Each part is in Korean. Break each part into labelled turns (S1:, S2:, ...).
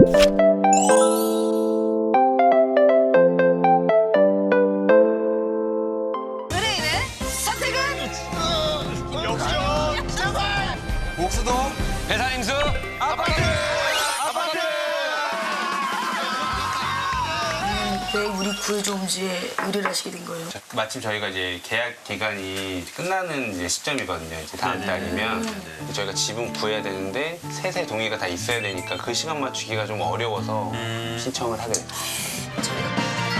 S1: 의뢰인의 선택은
S2: 역전 제발.
S3: 옥수도
S4: 배산임수 아파트.
S1: 왜 우리 구해줘음지에 의뢰를 하시게 된 거예요?
S4: 마침 저희가 이제 계약 기간이 끝나는 이제 시점이거든요. 이제 다음 달이면 저희가 지분 구해야 되는데 세세 동의가 다 있어야 되니까 그 시간 맞추기가 좀 어려워서 신청을 하게 됐어요.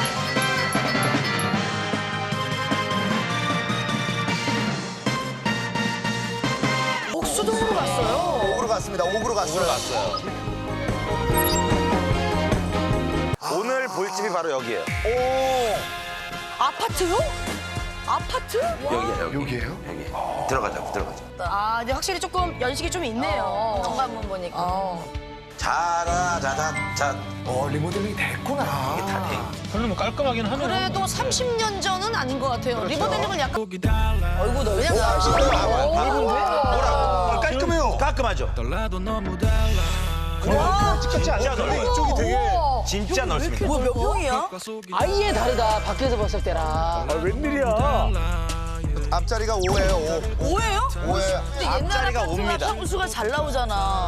S1: 옥수동으로 갔어요.
S2: 옥으로 갔습니다. 옥으로 갔어요.
S3: 오늘 볼 집이 바로 여기예요.
S1: 아파트요? 아파트?
S3: 여기예요.
S2: 여기예요?
S3: 여기. 들어가자.
S1: 아, 근데 확실히 조금 연식이 좀 있네요.
S5: 현관문 보니까.
S3: 자라자자자
S2: 리모델링이 됐구나.
S3: 이게 다 돼.
S6: 그래도 뭐 깔끔하긴 하네요.
S1: 그래도 30년 전은 아닌 것 같아요. 리모델링은 약간
S5: 얼굴 넓
S1: 그냥
S3: 뭐라고?
S2: 깔끔해요.
S3: 깔끔하죠.
S2: 똑같지 않아요? 근데 이쪽이 되게
S3: 진짜 넓습니다.
S5: 몇 평이야?
S7: 아예 다르다. 밖에서 봤을 때랑.
S2: 웬일이야? 앞자리가 5예요. 5.
S5: 5예요?
S2: 5예.
S5: 근데 옛날
S3: 앞자리가
S5: 아파트가
S3: 옵니다.
S5: 평수가 잘 나오잖아.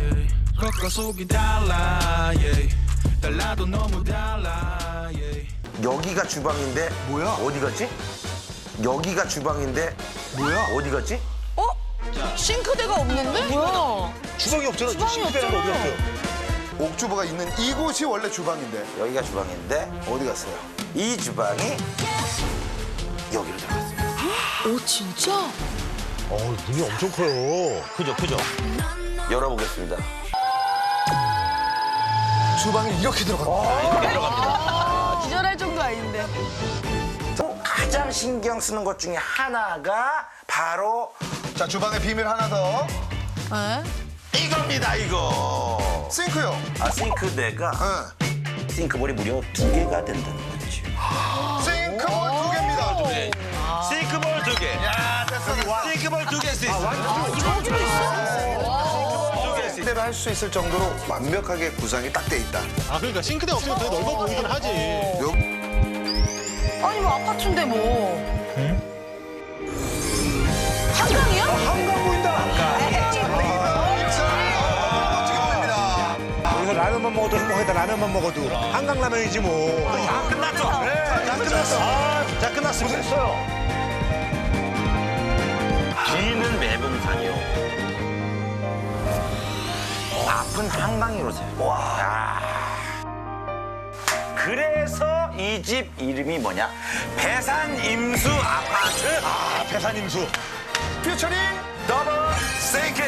S3: 여기가 주방인데
S2: 뭐야?
S3: 어디 갔지? 여기가 주방인데
S2: 뭐야?
S3: 어디 갔지?
S1: 싱크대가 없는데? 뭐야?
S2: 주방이 없잖아.
S1: 주방이 없잖아.
S2: 어디 갔어요? 옥주부가 있는 이곳이 원래 주방인데
S3: 여기가 주방인데
S2: 어디 갔어요?
S3: 이 주방이 여기로 들어갔어요.
S1: 오, 진짜?
S2: 문이 엄청 커요.
S3: 크죠? 열어보겠습니다.
S2: 주방이 이렇게 들어갔다.
S5: 기절할 정도 아닌데.
S3: 또 가장 신경 쓰는 것 중에 하나가 바로
S2: 자, 주방의 비밀 하나 더.
S3: 이겁니다, 이거.
S2: 싱크요.
S3: 싱크대가
S2: 응.
S3: 싱크볼이 무려 2개가 된다는 거지.
S2: 싱크볼 2개입니다.
S3: 싱크볼 2개.
S2: 야, 됐어.
S3: 싱크볼 2개 쓸 수 있어.
S2: 대로 할 수 있을 정도로 완벽하게 구성이 딱 돼 있다.
S6: 아 그러니까 싱크대 없으면 더 넓어 보이긴 하지.
S1: 아니, 뭐 아파트인데 뭐. 한강이야?
S2: 한강 보인다. 멋지게 보입니다.
S8: 여기서 라면만 먹어도 행복하다. 라면만 먹어도 한강 라면이지 뭐.
S3: 끝났죠? 자, 끝났어. 자, 끝났습니다.
S2: 됐어요.
S3: 뒤는 매봉산이요. 앞은 한강이로세요. 와. 그래서 이 집 이름이 뭐냐? 배산임수 아파트.
S8: 배산임수.
S2: 퓨처링
S3: 더블 싱크.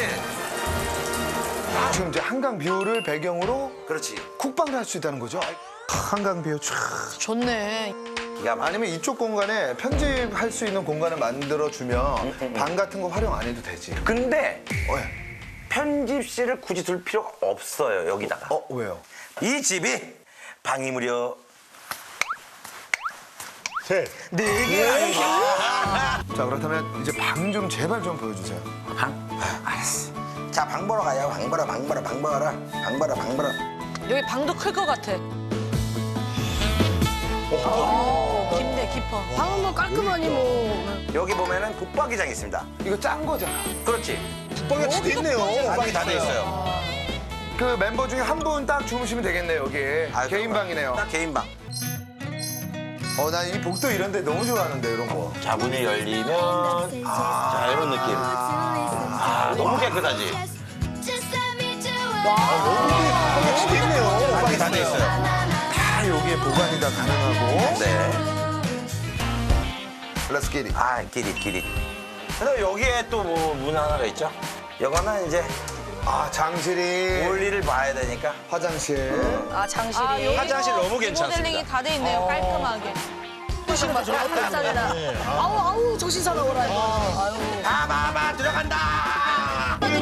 S2: 지금 이제 한강 뷰를 배경으로
S3: 그렇지.
S2: 쿡방을 할 수 있다는 거죠. 한강 뷰 쫙.
S1: 좋네.
S3: 기가 막.
S2: 아니면 이쪽 공간에 편집할 수 있는 공간을 만들어주면 방 같은 거 활용 안 해도 되지.
S3: 근데
S2: 예.
S3: 편집실을 굳이 둘 필요가 없어요, 여기다가.
S2: 왜요?
S3: 이 집이 방이 무려
S8: 셋.
S3: 4개.
S2: 자, 그렇다면 이제 방 좀 제발 좀 보여주세요.
S3: 방? 알았어. 자, 방 보러 가요. 방 보러.
S1: 여기 방도 클 것 같아. 깊네, 깊어. 방은 뭐 깔끔하니 뭐.
S3: 여기 보면은 붙박이장이 있습니다.
S2: 이거 짠 거잖아.
S3: 그렇지.
S8: 붙박이가 다 돼 있네요.
S3: 방이 다 돼 있어요.
S2: 그 멤버 중에 한 분 딱 주무시면 되겠네요, 여기. 개인 방이네요.
S3: 딱 개인 방.
S2: 난 이 복도 이런 데 너무 좋아하는데, 이런 거.
S3: 자, 문이 열리면 자, 이런 느낌. 너무 깨끗하지?
S8: 붙박이 돼 있네요.
S3: 방이 다 돼 있어요.
S2: 다 여기에 보관이 다 가능하고.
S3: 네.
S2: Let's get it.
S3: 끼리. 근데 여기에 또 뭐 문 하나가 있죠? 이거는 이제
S2: 장실이.
S3: 볼일을 봐야 되니까.
S2: 화장실.
S5: 아, 장실이.
S3: 화장실 너무 괜찮습니다.
S1: 모델링이 다 돼 있네요, 깔끔하게.
S5: 깜짝이다.
S1: 아우, 정신 사나워라, 이거.
S3: 봐봐, 들어간다!
S1: 눈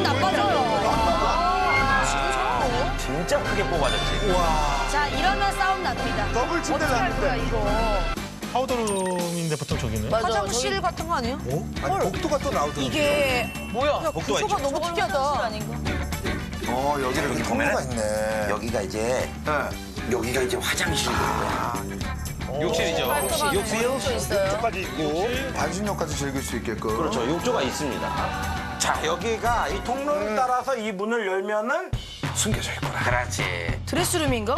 S1: 나빠져요.
S3: 진짜 크게 뽑아졌지?
S1: 자, 이러면 싸움 납니다.
S2: 더블 침대
S1: 어떡할 거야,
S2: 났는데.
S1: 이거.
S6: 파우더룸인데 보통 저기는.
S1: 화장실 같은 거 아니에요?
S2: 아니, 복도가 또 나오더라고요.
S1: 이게
S3: 뭐야? 복도가 있죠?
S1: 구조가 너무 특이하다.
S5: 아닌가?
S2: 여기를
S3: 여기
S2: 이렇게
S3: 보면은
S2: 통로가 있네.
S3: 여기가 이제
S2: 네.
S3: 여기가 이제 화장실이고요.
S4: 욕실이죠.
S3: 욕실
S8: 쪽 까지 있고.
S2: 반신욕까지 즐길 수 있게끔.
S3: 그렇죠. 욕조가 있습니다. 자, 여기가 이 통로를 따라서 이 문을 열면은
S2: 숨겨져 있구나.
S3: 그렇지.
S5: 드레스룸인가?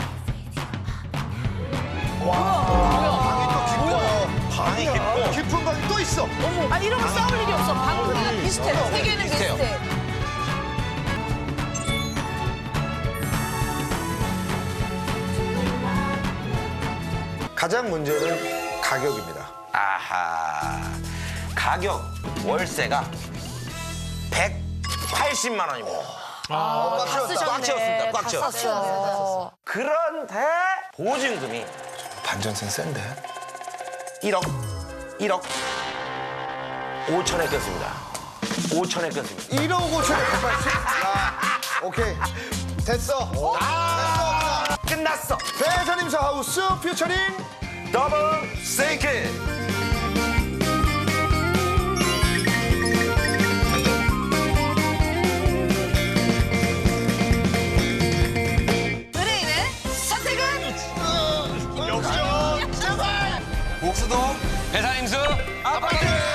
S3: 방이 깊고
S2: 깊은 방이 또 있어.
S5: 아 이런 거 싸울 일이 없어. 방금 비슷해. 세 개는
S3: 비슷해요.
S5: 비슷해.
S2: 가장 문제는 가격입니다.
S3: 아하. 가격 월세가 180만 원입니다.
S5: 다
S3: 꽉 채웠습니다. 꽉 채웠어요.
S5: 썼어.
S3: 그런데 보증금이
S2: 반전세는 센데.
S3: 1억 5천에 꼈습니다. 5천에 꼈습니다.
S2: 1억 5천에 180. 야, 오케이. 됐어.
S3: 끝났어.
S2: 배사님사 하우스 퓨처링
S3: 더블 세이크.
S5: 의뢰인의 선택은
S6: 역전.
S3: 복수동
S4: 배산임수
S3: 아파트.